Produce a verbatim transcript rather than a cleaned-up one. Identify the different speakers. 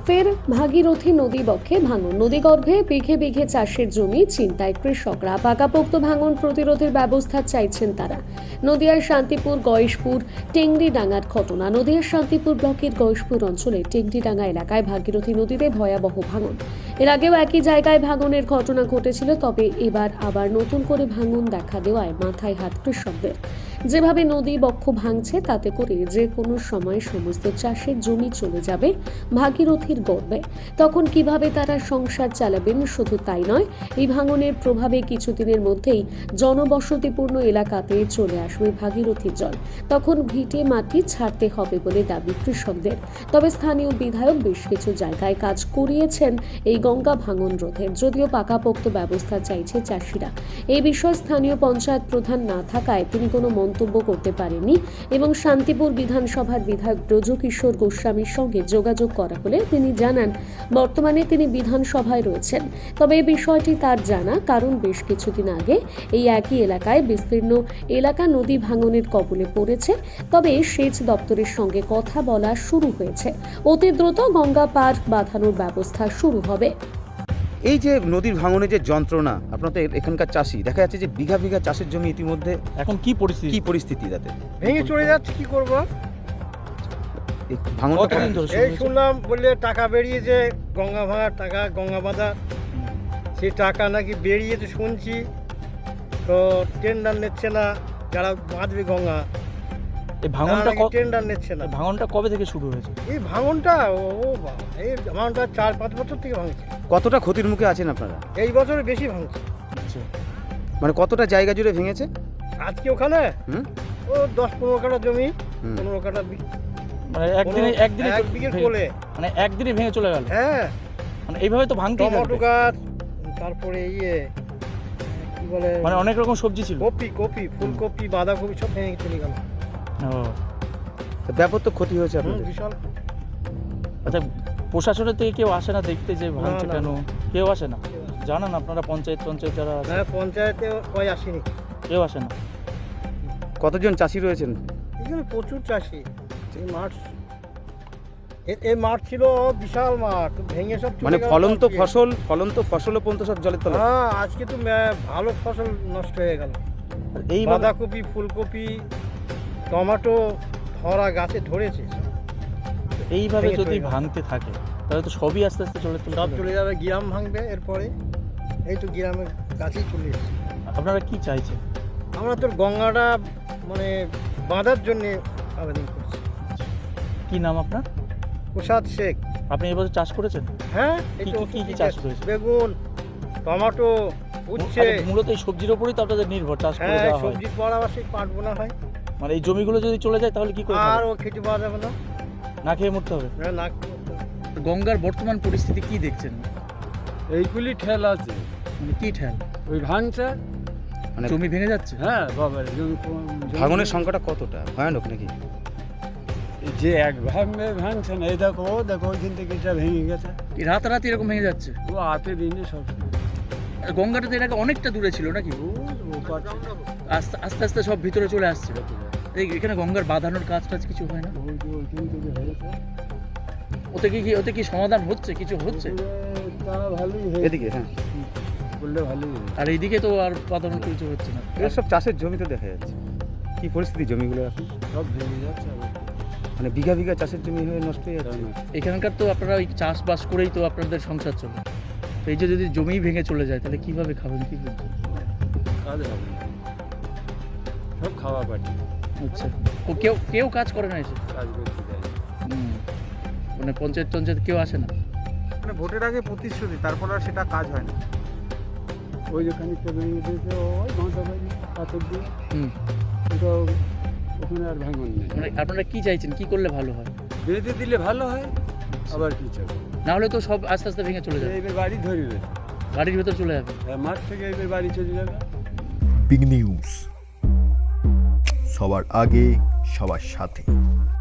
Speaker 1: ফের ভাগীরথী নদী বক্ষে ভাঙন, নদীগর্ভে বিঘে বিঘে চাষের জমি ছিনতাই কৃষকরা। পাকাপোক্ত ভাঙন প্রতিরোধের ব্যবস্থা চাইছেন তারা। নদিয়ার শান্তিপুর গয়েশপুর টেংরিডাঙ্গার ঘটনা। নদিয়ার শান্তিপুর ব্লকের গয়েশপুর অঞ্চলে টেংরিডাঙ্গা এলাকায় ভাগীরথী নদীতে ভয়াবহ ভাঙন। এর আগেও একই জায়গায় ভাঙনের ঘটনা ঘটেছিল, তবে এবার আবার নতুন করে ভাঙন দেখা দেওয়ায় মাথায় হাত কৃষকদের। যেভাবে নদী বক্ষ ভাঙছে তাতে করে যে কোনো সময় সমস্ত চাষের জমি চলে যাবে ভাগীরথীর গর্ভে। তখন কিভাবে তারা সংসার চালাবেন? শুধু তাই নয়, এই ভাঙনের প্রভাবে কিছুদিনের মধ্যেই জনবসতিপূর্ণ এলাকাতে চলে আসবে ভাগীরথীর জল। তখন ভিটে মাটি ছাড়তে হবে বলে দাবি কৃষকদের। তবে স্থানীয় বিধায়ক বেশ কিছু জায়গায় কাজ করিয়েছেন এই গঙ্গা ভাঙন রোধের, যদিও পাকাপোক্ত ব্যবস্থা চাইছে চাষিরা। এই বিষয়ে স্থানীয় পঞ্চায়েত প্রধান না থাকায় তিনি কোনো মন্তব্য করতে পারেননি এবং শান্তিপুর বিধানসভার বিধায়ক ব্রজকিশোর গোস্বামীর সঙ্গে যোগাযোগ করা হলে তিনি জানান বর্তমানে তিনি বিধানসভায় রয়েছেন। তবে এই বিষয়টি তার জানা, কারণ বেশ কিছুদিন আগে এই একই এলাকায় বিস্তীর্ণ এলাকা নদী ভাঙনের কবলে পড়েছে। তবে সেচ দপ্তরের সঙ্গে কথা বলা শুরু হয়েছে, অতি দ্রুত গঙ্গা পার বাঁধানোর ব্যবস্থা শুরু হবে।
Speaker 2: এই যে নদীর ভাঙনের যে যন্ত্রণা, আপনাদের এখানকার চাষি দেখা যাচ্ছে যে বিঘা বিঘা চাষের জমি ইতিমধ্যে
Speaker 3: এখন কি পরিস্থিতি
Speaker 2: কি পরিস্থিতি তাতে
Speaker 4: ভেঙে চলে যাচ্ছে, কি করব?
Speaker 2: এই ভাঙন
Speaker 3: কতদিন ধরে শুরু
Speaker 4: এই
Speaker 3: হয়েছে?
Speaker 4: শুনলাম বললে টাকা বেরিয়েছে, গঙ্গা ভাঙার টাকা, গঙ্গা বাঁধা, সেই টাকা নাকি বেরিয়েছে শুনছি। তো টেন্ডার নিচ্ছে না, যারা বাঁধবে গঙ্গা
Speaker 3: এই ভাঙনটা ক-
Speaker 4: টেন্ডার নিচ্ছে না।
Speaker 3: এই ভাঙনটা কবে থেকে শুরু হয়েছে?
Speaker 4: এই ভাঙনটা ও ও বাবা, এই ভাঙনটা চার পাঁচ বছর থেকে ভাঙছে।
Speaker 2: কতটা ক্ষতির মুখে আছেন আপনারা?
Speaker 4: এই বছরে বেশি ভাঙছে।
Speaker 3: আচ্ছা,
Speaker 2: মানে কতটা জায়গা জুড়ে ভেঙেছে?
Speaker 4: আজকে ওখানে
Speaker 2: হুম
Speaker 4: ও দশ পনেরো কাঠা জমি,
Speaker 2: হুম।
Speaker 4: পনেরো কাঠা বি-
Speaker 3: মানে একদিনে
Speaker 4: পনেরো-
Speaker 3: একদিনে
Speaker 4: এক বিঘে
Speaker 3: ভেঙে-
Speaker 4: কোলে।
Speaker 3: মানে একদিনে ভেঙে চলে গেল।
Speaker 4: হ্যাঁ,
Speaker 3: মানে এইভাবে তো ভাঙতেই
Speaker 4: টমেটো
Speaker 3: থাকবে।
Speaker 4: গাছ, তারপরে ইয়ে কি বলে,
Speaker 3: মানে অনেক রকম সবজি ছিল।
Speaker 4: কপি কপি ফুলকপি বাঁধাকপি সব ভেঙে চলে গেল।
Speaker 3: ও,
Speaker 2: তো ব্যাপক তো ক্ষতি হয়েছে
Speaker 4: হুম,
Speaker 2: আপনাদের।
Speaker 4: বিশাল।
Speaker 3: আচ্ছা, প্রশাসনের থেকে কেউ আসে না দেখতে যে ভাঙছে
Speaker 4: না,
Speaker 3: কেন?
Speaker 4: না।
Speaker 3: কেউ আসে না? জানান আপনারা পঞ্চায়েত পঞ্চায়েত যারা আছে,
Speaker 4: হ্যাঁ, পঞ্চায়েতে কয় আসেনি।
Speaker 3: কেউ আসে না?
Speaker 2: কতজন চাষি রয়েছেন?
Speaker 4: এখানে প্রচুর চাষি। এই মাঠ এ- এই মাঠ ছিল বিশাল মাঠ, তো ভেঙে সব চলে
Speaker 2: মানে
Speaker 4: গেল
Speaker 2: ফলন্ত
Speaker 4: আজকে।
Speaker 2: ফসল ফলন্ত ফসলও পর্যন্ত সব জলের তলায়।
Speaker 4: হ্যাঁ, আজকে তো মে- ভালো ফসল নষ্ট হয়ে গেল।
Speaker 3: এইভাবে
Speaker 4: বাঁধাকপি ফুলকপি টমেটো ধরা গাছে ধরেছে,
Speaker 3: এইভাবে
Speaker 4: ভেঙে
Speaker 3: যদি
Speaker 4: চলে গেল।
Speaker 3: ভাঙতে থাকে তাহলে তো সবই আস্তে আস্তে চলে চলে
Speaker 4: সব
Speaker 3: যাবে।
Speaker 4: চলে যাবে, গ্রাম ভাঙবে এরপরে। এই তো গ্রামের কাছেই চলে এসেছে।
Speaker 3: আপনারা কি চাইছেন?
Speaker 4: আমরা তো গঙ্গাটা মানে বাঁধার জন্যে আবেদন করছি।
Speaker 3: কি নাম আপনার?
Speaker 4: প্রসাদ শেখ।
Speaker 3: আপনি এবছর চাষ করেছেন?
Speaker 4: হ্যাঁ, এই
Speaker 3: কি
Speaker 4: তো
Speaker 3: কি- কি কি
Speaker 4: ওষুধ
Speaker 3: চাষ
Speaker 4: দিতে-
Speaker 3: করেছে?
Speaker 4: বেগুন টমেটো উচ্ছে।
Speaker 3: আচ্ছা, মূলত এই সবজির উপরেই তো আপনাদের নির্ভর, চাষ করে
Speaker 4: হ্যাঁ,
Speaker 3: দেওয়া হয়।
Speaker 4: সবজির পর আবার সেই পাট বোনা হয়।
Speaker 3: মানে এই জমিগুলো যদি চলে যায় তাহলে কি করে
Speaker 4: আর
Speaker 3: খাবে?
Speaker 4: ও খেতে পাওয়া যাবে না।
Speaker 3: না খেয়ে মরতে হবে।
Speaker 4: না, না করতে হবে।
Speaker 3: গঙ্গার বর্তমান পরিস্থিতি কি দেখছেন?
Speaker 5: এইগুলি ঠেল আছে,
Speaker 3: মানে কি ঠেল?
Speaker 5: ওই ভাঙছে।
Speaker 2: মানে
Speaker 3: জমি ভেঙে যাচ্ছে?
Speaker 5: হ্যাঁ বাবা, জমি কম- জমি-
Speaker 2: ভাঙনের সংখ্যাটা কতটা ভয়ানক নাকি?
Speaker 5: যে এক ভাঙবে ভাঙছে না, এই দেখো ও দেখো ওইখান থেকে এটা ভেঙে গেছে।
Speaker 3: এই রাতারাতি এরকম ভেঙে যাচ্ছে?
Speaker 5: ও হাতে দিনে সব
Speaker 3: আর গঙ্গাটা তো এর আগে অনেকটা দূরে ছিল নাকি?
Speaker 5: ও ও পাচ্ছে।
Speaker 3: আস্তে আস্তে আস্তে সব ভিতরে চলে আসছে। এই এখানে গঙ্গার বাঁধানোর কাজ টাজ কিছু হয় না?
Speaker 5: ওই যে ওইখান থেকে হয়েছে।
Speaker 3: ওতে কি কি ওতে কি সমাধান হচ্ছে? কিছু হচ্ছে?
Speaker 5: ওগুলো তা ভালোই হয়েছে,
Speaker 2: এদিকে হ্যাঁ,
Speaker 5: বললে ভালোই হয়েছে।
Speaker 3: আর এইদিকে তো আর বাঁধানোর কিছু হচ্ছে না।
Speaker 2: এগুলো সব চাষের জমি তো দেখা যাচ্ছে। কি পরিস্থিতি জমিগুলো এখন?
Speaker 5: সব ভেঙে যাচ্ছে আবার।
Speaker 2: মানে বিঘা বিঘা চাষের জমি হয়ে নষ্ট হয়ে যাচ্ছে।
Speaker 3: এখানকার তো আপনারা ওই চাষবাস করেই তো আপনাদের সংসার চলে। তো এই যে যদি জমি ভেঙে চলে যায় তাহলে কিভাবে খাবেন, কি করবেন?
Speaker 5: কাজ হবে না, সব খাওয়া পাটি
Speaker 3: আচ্ছা, ও কেউ কেউ কাজ করে না এসে?
Speaker 5: কাজ করতে যায়।
Speaker 3: হুম। মানে পঞ্চায়েত পঞ্চায়েত কেউ আসে না?
Speaker 6: মানে ভোটের আগে প্রতিশ্রুতি, তারপর আর সেটা কাজ হয় না।
Speaker 5: ওই যে খানিকটা ভেঙে দিয়েছে ওই ঘন্টা বাড়ি পাথর দিয়ে,
Speaker 3: হুম।
Speaker 5: ওটাও ওখানে আর ভাঙন নেই।
Speaker 3: মানে আপনারা কি চাইছেন, কি করলে ভালো হয়?
Speaker 5: বেঁধে দিলে ভালো হয়, আবার কি চাই,
Speaker 3: না হলে তো সব আস্তে আস্তে ভেঙে চলে যাবে,
Speaker 5: এইবার বাড়ি ধরবে,
Speaker 3: বাড়ির ভেতর চলে যাবে।
Speaker 5: মাঠ থেকে এইবার বাড়ি চলে যাবে।
Speaker 7: বিগ নিউজ, সবার আগে সবার সাথে।